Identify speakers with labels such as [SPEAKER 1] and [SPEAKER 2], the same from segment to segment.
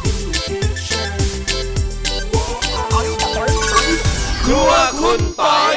[SPEAKER 1] ครัวคุณปอย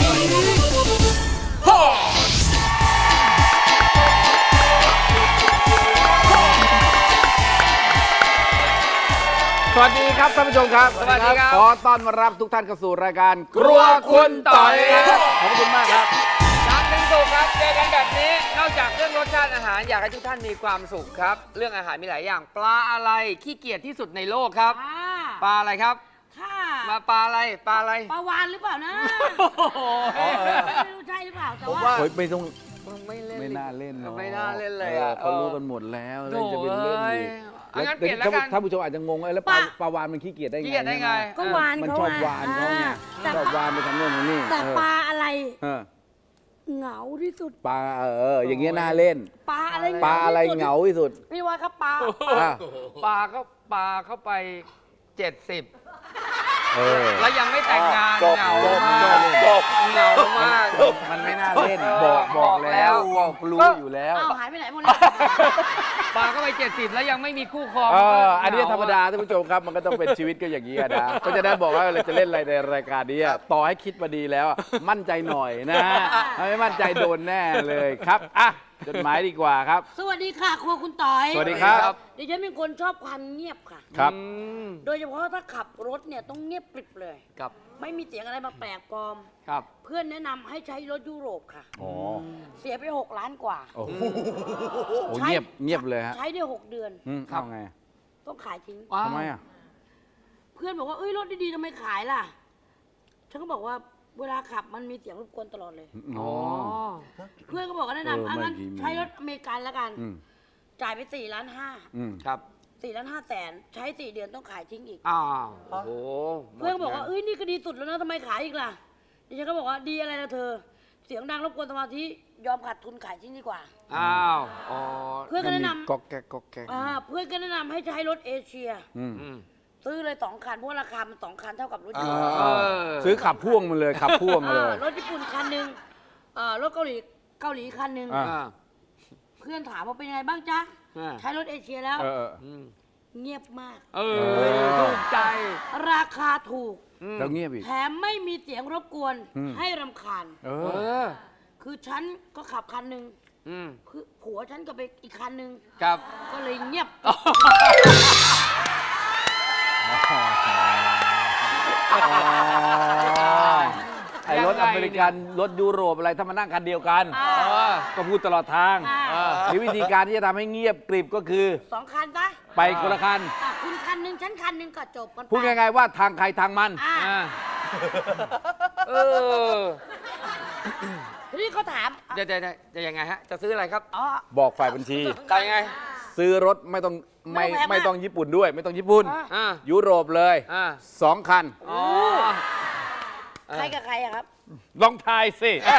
[SPEAKER 1] สวัสดีครับท่านผู้ชมครับ
[SPEAKER 2] สวัสดีครับ
[SPEAKER 1] ขอต้อนรับทุกท่านเข้าสู่รายการครัวคุณต่อยครับขอบคุณมากครับ
[SPEAKER 2] จันทร์ถึงศุกร์ครับเจอกันแบบนี้นอกจากเรื่องรสชาติอาหารอยากให้ทุกท่านมีความสุขครับเรื่องอาหารมีหลายอย่างปลาอะไรขี้เกียจที่สุดในโลกครับปลาอะไรครับ
[SPEAKER 3] ค่ะ
[SPEAKER 2] มาปลาอะไรปลาอะไร
[SPEAKER 3] ปลาวานหรือเปล่านะ
[SPEAKER 2] โอ้โห
[SPEAKER 3] ไม่รู้ใช่หรือเปล่าแต่ว่า
[SPEAKER 1] โอ้ยไม่ต้อง
[SPEAKER 2] ไม่เล่น
[SPEAKER 1] ไม่น่าเล่นหรอก
[SPEAKER 2] ไม่น่าเล่นเลย
[SPEAKER 1] เขารู้กันหมดแล้วเลยจะเป็นเล่นอีก
[SPEAKER 2] โถ่เอ้ยงั้นเปลี่ยนแล้วกัน
[SPEAKER 1] ท่านผู้ชมอาจจะงงแล้วปลาวานมันขี้เกียจได้ไง
[SPEAKER 2] ขี้เกียจได้ไง
[SPEAKER 3] ก็วาน
[SPEAKER 1] มัน
[SPEAKER 3] เขา
[SPEAKER 1] ชอบ
[SPEAKER 3] ไง
[SPEAKER 1] วานเขาไง
[SPEAKER 3] แต่
[SPEAKER 1] ชอบวานไปทำโน่นทำนี่
[SPEAKER 3] แต่ปลาอะไร
[SPEAKER 1] เออ
[SPEAKER 3] เหงาที่สุด
[SPEAKER 1] ปลาอย่างเงี้ยน่าเล่น
[SPEAKER 3] ปลาอะไร
[SPEAKER 1] ปลาอะไรเหงาที่สุด
[SPEAKER 3] พี่ว่าครับปลา
[SPEAKER 1] อ่ะ
[SPEAKER 2] ปลาเข้าไป 70
[SPEAKER 1] เออ
[SPEAKER 2] แล้วยังไม่แต่งงาน
[SPEAKER 1] จบ
[SPEAKER 2] เหงา
[SPEAKER 1] จบ
[SPEAKER 2] มาก
[SPEAKER 1] จบ
[SPEAKER 2] เหงามาก
[SPEAKER 1] มันไม่น่าเล่น
[SPEAKER 2] เออ
[SPEAKER 1] บอกแล้ว
[SPEAKER 2] บอก
[SPEAKER 1] รู้อยู่แล้ว
[SPEAKER 3] อ้าวหายไปไหนหมดแล้ว
[SPEAKER 2] ปลาเข้าไป 70 แล้วยังไม่มีคู่ครอง
[SPEAKER 1] อันนี้ธรรมดาท่านผู้ชมครับ มันก็ต้องเป็นชีวิตก็อย่างนี้อะนะก็จะได้บอกว่าเราจะเล่นอะไรในรายการนี้อะต่อให้คิดมาดีแล้วอะมั่นใจหน่อยนะถ้าไม่มั่นใจโดนแน่เลยครับอ่ะจดหมายดีกว่าครับ
[SPEAKER 3] สวัสดีค่ะครัวคุณต่อย
[SPEAKER 1] สวัสดีครับ
[SPEAKER 3] ดิฉันเป็นคนชอบความเงียบค่ะ
[SPEAKER 1] ครับ
[SPEAKER 3] โดยเฉพาะถ้าขับรถเนี่ยต้องเงียบกริบเลย
[SPEAKER 2] กับ
[SPEAKER 3] ไม่มีเสียงอะไรมาแปลกปลอม
[SPEAKER 2] ครับ
[SPEAKER 3] เพื่อนแนะนำให้ใช้รถยุโรปค่ะ
[SPEAKER 1] อ๋อ
[SPEAKER 3] เสียไป6 ล้านกว่า
[SPEAKER 1] โอ้โหเงียบเลยฮะ
[SPEAKER 3] ใช้ได้6 เดือน
[SPEAKER 1] เอาไง
[SPEAKER 3] ต้องขายทิ้ง
[SPEAKER 1] ทำไมอ่ะ
[SPEAKER 3] เพื่อนบอกว่าเอ้ยรถดีๆทำไมขายล่ะ ฉันก็บอกว่าเวลาขับมันมีเสียงรบกวนตลอดเลย
[SPEAKER 1] อ๋อ
[SPEAKER 3] เพื่อนก็บอกว่าแนะนำงั้น
[SPEAKER 1] เมื่อกี้มี
[SPEAKER 3] ใช้รถอเมริกันแล้วกัน
[SPEAKER 1] อืม
[SPEAKER 3] จ่ายไป4.5 ล้าน
[SPEAKER 2] ครับ
[SPEAKER 3] 4.5 ล้านแสนใช้ 4 เดือนต้องขายทิ้งอีก
[SPEAKER 2] อ้าวโอ้โห
[SPEAKER 3] เพื่อนก็บอกว่าเอ้ยนี่ก็ดีสุดแล้วนะทำไมขายอีกล่ะดิฉันก็บอกว่าดีอะไรนะเธอ เสียงดังรบกวนสมาธิยอมขาดทุนขายทิ้งดีกว่า
[SPEAKER 2] อ้าวอ๋อ
[SPEAKER 3] เพื่อนก็แนะน
[SPEAKER 1] ก๊อกแก๊กก๊อกแก๊ก
[SPEAKER 3] ำเพื่อนก็แนะนำให้ใช้รถเอเชีย
[SPEAKER 1] อืม
[SPEAKER 2] อืม
[SPEAKER 3] ซื้อเลย2 คันเพราะว่าราคามัน2 คันเท่ากับรถ
[SPEAKER 1] เอ
[SPEAKER 3] ญี่ปุ่น
[SPEAKER 1] อซื้อขับพ่วงมาเลยขับพ่วงมาเลย
[SPEAKER 3] รถญี่ปุ่นคันหนึ่งรถเกาหลีคันหนึ่ง
[SPEAKER 1] อ่า
[SPEAKER 2] อ่า
[SPEAKER 3] เพื่อนถามว่าเป็นยังไงบ้างจ๊ะ
[SPEAKER 2] อ่า
[SPEAKER 3] ใช้รถเอเชียแล้ว
[SPEAKER 1] เออ
[SPEAKER 2] อืม
[SPEAKER 3] เงียบมาก
[SPEAKER 2] เออถูกใจ
[SPEAKER 3] ราคาถูก
[SPEAKER 1] แล้วเงียบอีก
[SPEAKER 3] แถมไม่มีเสียงรบกวน
[SPEAKER 1] อืม
[SPEAKER 3] ให้รำคาญ
[SPEAKER 1] เอ
[SPEAKER 2] เอ
[SPEAKER 1] อ
[SPEAKER 2] อ
[SPEAKER 3] คือฉันก็ขับคันหนึ่ง
[SPEAKER 2] อืม
[SPEAKER 3] ผัวฉันก็ไปอีกคันหนึ่ง
[SPEAKER 2] ครับ
[SPEAKER 3] ก็เลยเงียบ
[SPEAKER 1] ไอ้รถอเมริกันรถยุโรปอะไรถ้ามานั่งคันเดียวกัน ก็พูดตลอดทาง มีวิธีการที่จะทำให้เงียบกริบก็คือ
[SPEAKER 3] 2 คันซะ
[SPEAKER 1] ไปคนละคัน
[SPEAKER 3] คุณคันหนึ่งฉันคันหนึ่งก็จบกันไป
[SPEAKER 1] พูดง่ายๆว่าทางใครทางมัน
[SPEAKER 3] อ่ะ
[SPEAKER 2] เออ
[SPEAKER 3] ทีนี้เขาถาม
[SPEAKER 2] เดี๋ยวจะยังไงฮะ จะซื้ออะไรครับ
[SPEAKER 3] อ๋อ
[SPEAKER 1] บอกฝ่ายบัญชี
[SPEAKER 2] จะยังไง
[SPEAKER 1] ซื้อรถไม่ต้อง
[SPEAKER 3] ไม่ต้องแพงมาก
[SPEAKER 1] ไม่ต้องญี่ปุ่นด้วย ไม่ต้องญี่ปุ่น
[SPEAKER 2] อ่า
[SPEAKER 1] ยุโรปเลย
[SPEAKER 2] อ่า
[SPEAKER 1] 2 คัน
[SPEAKER 2] อ๋อ
[SPEAKER 3] ใครกับใครอะครับ
[SPEAKER 1] ลองทายสิ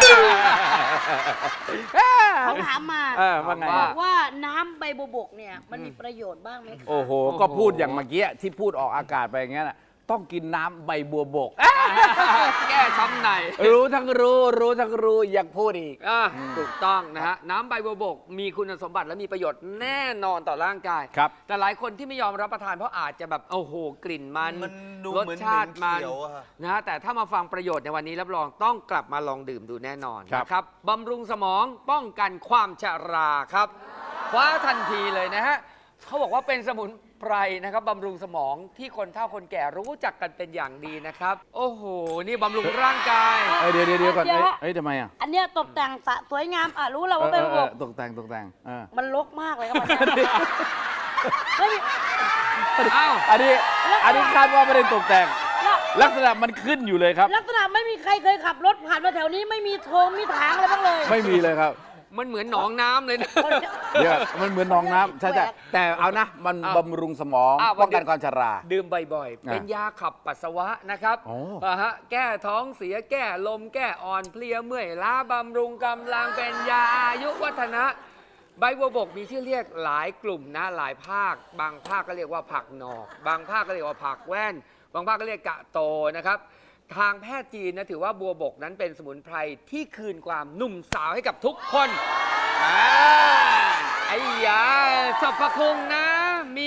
[SPEAKER 3] เขาถามมา
[SPEAKER 1] ว่าไง
[SPEAKER 3] บอกว่าน้ำใบบัวบกเนี่ยมันมีประโยชน์บ้างไหมคะ
[SPEAKER 1] โอ้โห ก็พูดอย่างเมื่อกี้ที่พูดออกอากาศไปอย่างเงี้ยน่ะต้องกินน้ำใบบัวบก
[SPEAKER 2] แก้ช้ำใน
[SPEAKER 1] รู้ทั้งรู้อยากพูดอีก
[SPEAKER 2] ถูกต้องนะฮะ น้ำใบบัวบกมีคุณสมบัติและมีประโยชน์แน่นอนต่อร่างกาย
[SPEAKER 1] ครับ
[SPEAKER 2] แต่หลายคนที่ไม่ยอมรับประทานเพราะอาจจะแบบโอ้โหกลิ่นมัน
[SPEAKER 4] ดู
[SPEAKER 2] รส
[SPEAKER 4] เหมือน
[SPEAKER 2] ชาติมัน
[SPEAKER 4] เขียวอะ
[SPEAKER 2] นะฮะแต่ถ้ามาฟังประโยชน์ในวันนี้รับรองต้องกลับมาลองดื่มดูแน่นอน
[SPEAKER 1] ครับ
[SPEAKER 2] นะครับบำรุงสมองป้องกันความชราครับคว้าทันทีเลยนะฮะเขาบอกว่าเป็นสมุนไพรนะครับบำรุงสมองที่คนเฒ่าคนแก่รู้จักกันเป็นอย่างดีนะครับ โอ้โห นี่บำรุงร่างกาย
[SPEAKER 1] เดี๋ยวก่อนเอ้ยทำไมอ่ะ
[SPEAKER 3] อันเนี้ยตกแต่งสวยงามรู้แล้วว่าใบบัวบก
[SPEAKER 1] ตกแต่ง
[SPEAKER 3] มันรกมากเลยครับไม่มี
[SPEAKER 2] อ้าว
[SPEAKER 1] อันนี้คาดว่าไม่ได้ตกแต่ง ลักษณะมันขึ้นอยู่เลยครับ
[SPEAKER 3] ลักษณะไม่มีใครเคยขับรถผ่านมาแถวนี้ไม่มีโถงมีถางอะไรบ้างเลย
[SPEAKER 1] ไม่มีเลยครับ
[SPEAKER 2] มันเหมือนหนองน้ำเลยนะ
[SPEAKER 1] เดี๋ยวมันเหมือนหนองน้ำใช่
[SPEAKER 3] แปลก
[SPEAKER 1] แต่เอานะ มัน
[SPEAKER 2] อ้าว
[SPEAKER 1] บำรุงสมอง
[SPEAKER 2] อ้าว
[SPEAKER 1] ป้องกันความชรา
[SPEAKER 2] ดื่มบ่อยๆ เป็นยาขับปัสสาวะนะครับ
[SPEAKER 1] โอ้
[SPEAKER 2] แก้ท้องเสียแก้ลมแก้อ่อนเพลียเมื่อยล้าบำรุงกำลังเป็นยาอายุวัฒนะ ใบบัวบกมีชื่อเรียกหลายกลุ่มนะหลายภาค บางภาคก็เรียกว่าผักหนอก บางภาคก็เรียกว่าผักแว่น บางภาคก็เรียกกะโตนะครับ ทางแพทย์จีนนะถือว่าบัวบกนั้นเป็นสมุนไพรที่คืนความหนุ่มสาวให้กับทุกคนไอ้ยาสรรพคุณนะ มี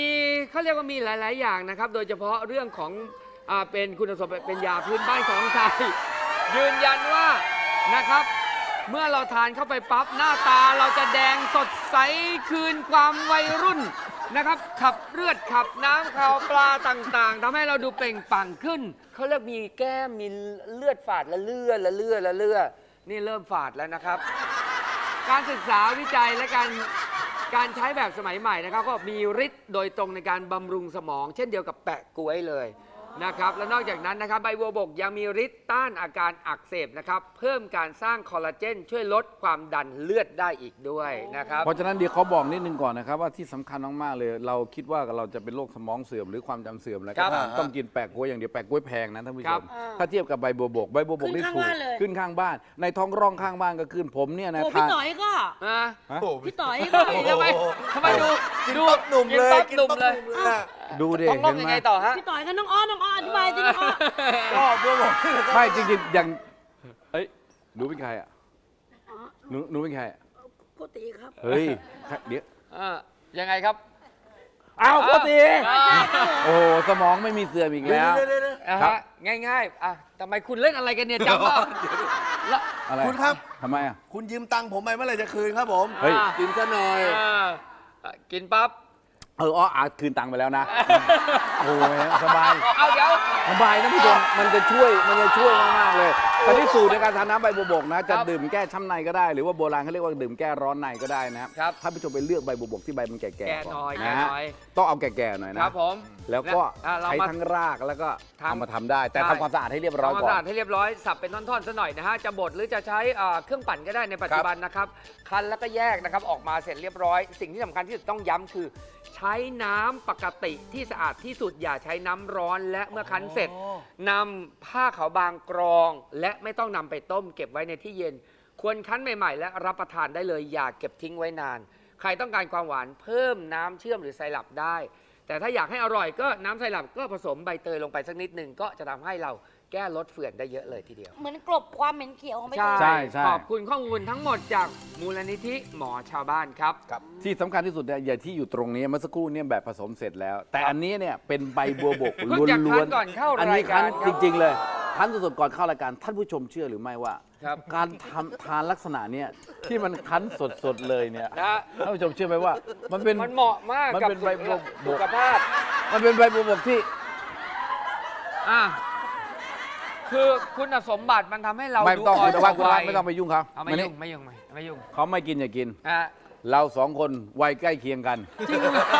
[SPEAKER 2] เขาเรียกว่ามีหลาย ๆ อย่างนะครับ โดยเฉพาะเรื่องของเป็นคุณสมบัติเป็นยาพื้นบ้านของไทย ยืนยันว่านะครับ เมื่อเราทานเข้าไปปั๊บหน้าตาเราจะแดงสดใสคืนความวัยรุ่นนะครับ ขับเลือดขับน้ำข่าวปลาต่างๆทำให้เราดูเปล่งปลั่งขึ้นเขาเรียกมีแก้มมีเลือดฝาดละเลือนี่เริ่มฝาดแล้วนะครับ การศึกษาวิจัยและการใช้แบบสมัยใหม่นะครับก็มีฤทธิ์โดยตรงในการบำรุงสมอง เช่นเดียวกับแปะก๊วยเลยนะครับและนอกจากนั้นนะครับใบบัวบกยังมีฤทธิ์ต้านอาการอักเสบนะครับเพิ่มการสร้างคอลลาเจนช่วยลดความดันเลือดได้อีกด้วยนะครับ
[SPEAKER 1] เพราะฉะนั้นเดี๋ยวเขาบอกนิดนึงก่อนนะครับว่าที่สำคัญมากๆเลย เราคิดว่าเราจะเป็นโรคสมองเสื่อมหรือความจำเสื่อมอะไร
[SPEAKER 2] ครั
[SPEAKER 1] ก็
[SPEAKER 2] บ
[SPEAKER 1] ตามต้องกินแปะก๊วยอย่างเดียวแปะก๊วยแพงนะท่านผู้
[SPEAKER 2] ค
[SPEAKER 1] ช
[SPEAKER 2] รับ
[SPEAKER 1] มถ้าเทียบกับใบบัวบกนี่ถูกขึ้นข้างบ้าน ในท้องร่องข้างบ้านก็ขึ้นผมเนี่ยนะ
[SPEAKER 3] โอ้พี่
[SPEAKER 1] ทาน
[SPEAKER 3] ต่อยก็
[SPEAKER 2] อ่า
[SPEAKER 3] พี่ต่อยก็
[SPEAKER 2] ทำไมดู
[SPEAKER 4] กินปั๊บหนุ่มเลย
[SPEAKER 2] กินปั๊บหนุ่มเลย
[SPEAKER 1] ดูดิ
[SPEAKER 2] ท้องร่อง
[SPEAKER 1] เห็น
[SPEAKER 2] ยัง
[SPEAKER 1] ไหม
[SPEAKER 2] ไงต่อฮะ
[SPEAKER 3] พี่ต่อยก็น้องอ้ออธิบายสิน้องอ้อ
[SPEAKER 4] ก็บัวบก
[SPEAKER 1] ไม่จริงๆอย่างเอ้ยหนูเป็นใครอ่ะหนูเป็นใครอะ
[SPEAKER 3] โกติครับ
[SPEAKER 1] เฮ้ยเดี๋ยว
[SPEAKER 2] ยังไงครับ
[SPEAKER 1] อ้าวโกติ
[SPEAKER 2] อ่า
[SPEAKER 1] โอ้สมองไม่มีเสื่อมอีกแล้ว ครับ
[SPEAKER 2] ง่ายๆทำไมคุณเล่นอะไรกันเนี่ยจำว่าแล้ว
[SPEAKER 1] อะไร
[SPEAKER 4] คุณครับ
[SPEAKER 1] ทำไมอ่ะ
[SPEAKER 4] คุณยืมตังค์ผมไปเมื่อไหร่จะคืนครับผม
[SPEAKER 1] เฮ้ย
[SPEAKER 4] กินซะหน่อย
[SPEAKER 2] กินปั๊บ
[SPEAKER 1] คืนตังค์ไปแล้วนะ โอ้ยสบาย
[SPEAKER 2] เอาเดี๋ยว
[SPEAKER 1] สบายนะผู้ชมมันจะช่วยมากๆเลยตอนนี้สูตรในการทานน้ำใบบัวบกนะจะดื่มแก้ช้ำในก็ได้ หรือว่าโบราณเขาเรียกว่าดื่มแก้ร้อนในก็ได้นะครับ ท่านผู้ชมไปเลือกใบบัวบกที่ใบมันแก่
[SPEAKER 2] แก่
[SPEAKER 1] ๆก่
[SPEAKER 2] หน่อย
[SPEAKER 1] นะ
[SPEAKER 2] แก่
[SPEAKER 1] ฮะ
[SPEAKER 2] หน่อย
[SPEAKER 1] ต้องเอาแก่ๆหน่อย
[SPEAKER 2] ค
[SPEAKER 1] นะ
[SPEAKER 2] รับผม
[SPEAKER 1] แล้วก็
[SPEAKER 2] เรา
[SPEAKER 1] ใช้
[SPEAKER 2] มา
[SPEAKER 1] ทั้งรากแล้วก็
[SPEAKER 2] ทำ
[SPEAKER 1] เอามาทำได้ แต่
[SPEAKER 2] ใช่
[SPEAKER 1] ทำความสะอาดให้เรียบร้อย
[SPEAKER 2] ทำความ
[SPEAKER 1] ก่อ
[SPEAKER 2] สะอาด
[SPEAKER 1] น
[SPEAKER 2] ให้เรียบร้อยสับเป็นท่อนๆซะหน่อยนะฮะจะบดหรือจะใช้เครื่องปั่นก็ได้ในปัจจุบันนะครับคั้นแล้วก็แยกนะครับออกมาเสร็จเรียบร้อย สิ่งที่สำคัญที่สุดต้องย้ำคือ ใช้น้ำปกติที่สะอาดที่สุดอย่าใช้น้ำร้อน และเมื่อคั้นเสร็จนำผ้าขาวบางกรอง และไม่ต้องนำไปต้มเก็บไว้ในที่เย็น ควรคั้นใหม่ๆ และรับประทานได้เลยอย่าเก็บทิ้งไว้นาน ใครต้องการความหวานเพิ่มน้ำเชื่อมหรือไซรัปได้ แต่ถ้าอยากให้อร่อยก็น้ำไซรัปก็ผสมใบเตยลงไปสักนิดหนึ่งก็จะทำให้เราแก้ลดเฝื่อนได้เยอะเลยทีเดียว
[SPEAKER 3] เหมือนกลบความเหม็นเขียวของใบเตย
[SPEAKER 1] ใช่
[SPEAKER 2] ขอบคุณข้อมูลทั้งหมดจากมูลนิธิหมอชาวบ้านครับ
[SPEAKER 1] ที่สำคัญที่สุดเนี่ยอย่างที่อยู่ตรงนี้เมื่อสักครู่เนี่ยแบบผสมเสร็จแล้ว แต่อันนี้เนี่ยเป็นใบบัวบก
[SPEAKER 2] เพิ่งจะคั้นก่อนเข้ารายการ
[SPEAKER 1] อันนี้คั้น
[SPEAKER 2] ครับ
[SPEAKER 1] จริง ๆ เลยคั้นสดๆก่อนเข้ารายการท่านผู้ชมเชื่อหรือไม่ว่า
[SPEAKER 2] ครับ
[SPEAKER 1] การทานลักษณะเนี่ยที่มันคั้นสดๆเลยเนี่ย
[SPEAKER 2] นะ
[SPEAKER 1] ท่านผู้ชมเชื่อไหมว่า มันเป็น
[SPEAKER 2] มันเหมาะมาก
[SPEAKER 1] มัน
[SPEAKER 2] กับ
[SPEAKER 1] เป็นใบบัวบก
[SPEAKER 2] สุขภาพ
[SPEAKER 1] มันเป็นใบบัวบกที่
[SPEAKER 2] อ่ะคือคุณสมบัติมันทำให้เรา
[SPEAKER 1] ไม่
[SPEAKER 2] ดู
[SPEAKER 1] ต้อง
[SPEAKER 2] อ่อน
[SPEAKER 1] คุณว่า
[SPEAKER 2] กว่าวัย
[SPEAKER 1] ไม่ต้องไปยุ่งเขา
[SPEAKER 2] เอาไม่
[SPEAKER 1] มานี่
[SPEAKER 2] ยุ่งไม่ยุ่งไม่ยุ่ง
[SPEAKER 1] เขาไม่กินอย่ากิน
[SPEAKER 2] อ่ะ
[SPEAKER 1] เราสองคนวัยใกล้เคียงกัน
[SPEAKER 2] จริงเหรอ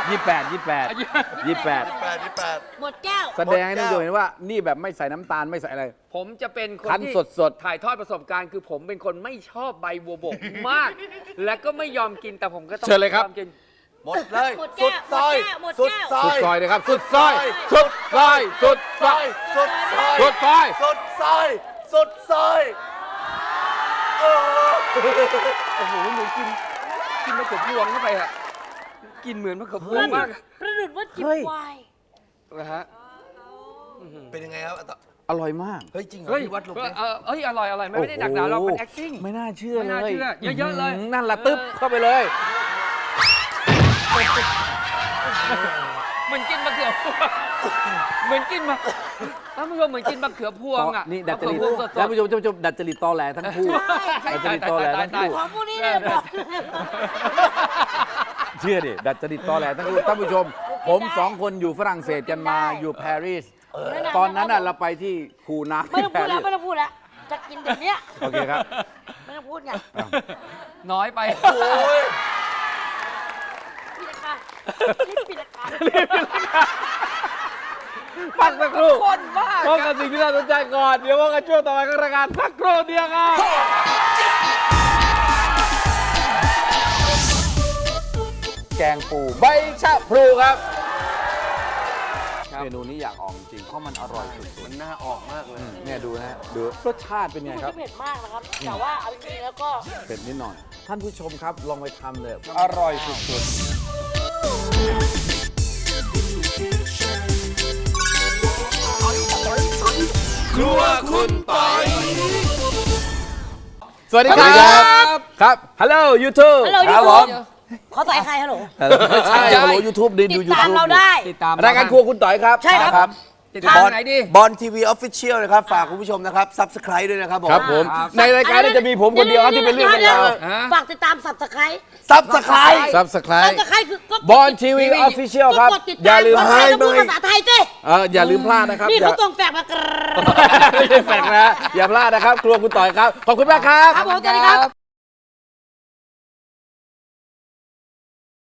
[SPEAKER 1] 28
[SPEAKER 3] หมดแก้ว
[SPEAKER 1] แสดงให้ท่านผู้ชมเห็นว่านี่แบบไม่ใส่น้ำตาลไม่ใส่อะไร
[SPEAKER 2] ผมจะเป็นคน
[SPEAKER 1] คั้น
[SPEAKER 2] ที่
[SPEAKER 1] สดๆ
[SPEAKER 2] ถ่ายทอดประสบการณ์คือผมเป็นคนไม่ชอบใบบัวบกมาก และก็ไม่ยอมกินแต่ผมก็ต้อง
[SPEAKER 1] เชิญเลยครับ
[SPEAKER 2] ยอมกิน
[SPEAKER 4] หมดเลย
[SPEAKER 3] หมดแก้
[SPEAKER 4] สุ
[SPEAKER 3] ว
[SPEAKER 4] ดซอย
[SPEAKER 3] หมดแก้ว
[SPEAKER 4] สุดซอ
[SPEAKER 1] สุด
[SPEAKER 4] ย
[SPEAKER 1] ซอยเลยครับ สุดซอยสุดซอยสุดซอย
[SPEAKER 4] สุดซอย
[SPEAKER 1] สุดซอย
[SPEAKER 4] สุดซอยสุดซอยโอ้โห
[SPEAKER 2] โอ้โหหนูกินมะเขือพวงเข้าไปอะกินเหมือนมะเขือพวงมาก
[SPEAKER 3] ประดุดว่าจิบไวน์
[SPEAKER 2] นะฮะ
[SPEAKER 4] เป็นยังไงครับ
[SPEAKER 1] อร่อยมาก
[SPEAKER 4] เฮ้ยจริงเหรอ
[SPEAKER 2] เฮ้ย
[SPEAKER 4] พี่วัดลงไป
[SPEAKER 2] เอ้ยอร่อยไม่ได้หนักหนาเราเป็น acting
[SPEAKER 1] ไม่น่าเชื่อ
[SPEAKER 2] ไม่
[SPEAKER 1] เล
[SPEAKER 2] น่าย เชื่อเยอะๆเลย
[SPEAKER 1] นั่นละตึ๊บเข้าไปเลย
[SPEAKER 2] เหมือนกินมะเขือพวงเหมือนกินมะท่านผู้ชมเหมือนกินมะเขือพวงอ่ะ
[SPEAKER 1] นี่ดัดจริต
[SPEAKER 2] มะเขือพวงสดๆ
[SPEAKER 1] ท่านผู้ชมดัดจริตตอแหลทั้งคู่ดัดจริตตอแหลทั้งคู่
[SPEAKER 3] ของพวกนี้เนี่ยบอก
[SPEAKER 1] เชื่อดิดัดจริตตอแหลทั้งคู่ท่านผู้ชม ผมสองคนอยู่ฝรั่งเศสกันมาอยู่ปารีสตอนนั้นน่ะเราไปที่คูน้ำ
[SPEAKER 3] ไม่
[SPEAKER 1] ที่
[SPEAKER 3] ต้อง
[SPEAKER 1] ปา
[SPEAKER 3] พูด
[SPEAKER 1] รี
[SPEAKER 3] แล้ว
[SPEAKER 1] ส
[SPEAKER 3] ไม่ต้องพูดแล้วจะกินเดี๋ยวนี้
[SPEAKER 1] โอเคครับ
[SPEAKER 3] ไม่ต้องพูดไง
[SPEAKER 2] น้อยไป
[SPEAKER 4] โอ้ย
[SPEAKER 3] ปิดรายการรีบปิดรายการ
[SPEAKER 1] พักสักครู่
[SPEAKER 2] คนมาก
[SPEAKER 1] พบกับสิ่งที่น่าสนใจก่อน เดี๋ยวว่ากันช่วงต่อไปของรายการพักครู่เดียวครับแกงปูใบชะพลูครับ เมนูนี้อยากออกจริงเพราะมันอร่อยสุด
[SPEAKER 4] มันน่าออกมากเลย
[SPEAKER 1] ๆเนี่ยดูนะดูรสชาติเป็นไง
[SPEAKER 3] มัน
[SPEAKER 1] ครับ
[SPEAKER 3] จะเผ็ดมากนะครับ แต่ว่าเอาจริงๆแล้วก็
[SPEAKER 1] เผ็ดนิดหน่อย ท่านผู้ชมครับ ลองไปทำเลยอร่อยสุดๆครัวคุณปอยสวัสดีครับ ครับ ฮัลโหลยูทูบ
[SPEAKER 3] Hello
[SPEAKER 1] ครับ
[SPEAKER 3] YouTube
[SPEAKER 1] ผม
[SPEAKER 3] เขาใส่ใครฮัลโหล
[SPEAKER 1] ไม่ใช่ฮัลโหลยูทูบดู
[SPEAKER 3] ติด
[SPEAKER 1] ยู
[SPEAKER 3] ตาม
[SPEAKER 1] ทูบ
[SPEAKER 3] เราได้
[SPEAKER 2] ติดตาม
[SPEAKER 1] รายการครัวคุณต่อยครับ
[SPEAKER 3] ใช่ครับ
[SPEAKER 2] ติดตามไหนดี
[SPEAKER 4] บอลทีวีออฟฟิเชียลนะครับ ฝากคุณผู้ชมนะครับ ซับสไครต์ด้วยนะครับผม
[SPEAKER 1] ครับผม
[SPEAKER 2] ครับ
[SPEAKER 1] ในรายการนี้จะมีผมคนเดียวครับที่เป็นเรื่องเป็นราว
[SPEAKER 3] ฝากติดตามสับสไคร
[SPEAKER 4] ซับสไครต์
[SPEAKER 1] ซับสไคร
[SPEAKER 3] สับ
[SPEAKER 1] ต์
[SPEAKER 3] สไครคือก็
[SPEAKER 1] บอลทีวีออฟฟิเชียลครับ
[SPEAKER 3] ก็กดติด
[SPEAKER 1] อย่า
[SPEAKER 3] ตาม
[SPEAKER 1] ลืม
[SPEAKER 3] ภาษาไทยต้องพูดภาษาไทยสิ
[SPEAKER 1] อย่าลืมพลาดนะครับ
[SPEAKER 3] นี่
[SPEAKER 1] อย่า
[SPEAKER 3] เขาส่งแฝกมากร
[SPEAKER 1] ไม่ได้แฝงนะอย่าพลาดนะครับ ครัวคุณต่อยครับ ขอบคุณมากครับ
[SPEAKER 3] ครับผมสวัสดีครับ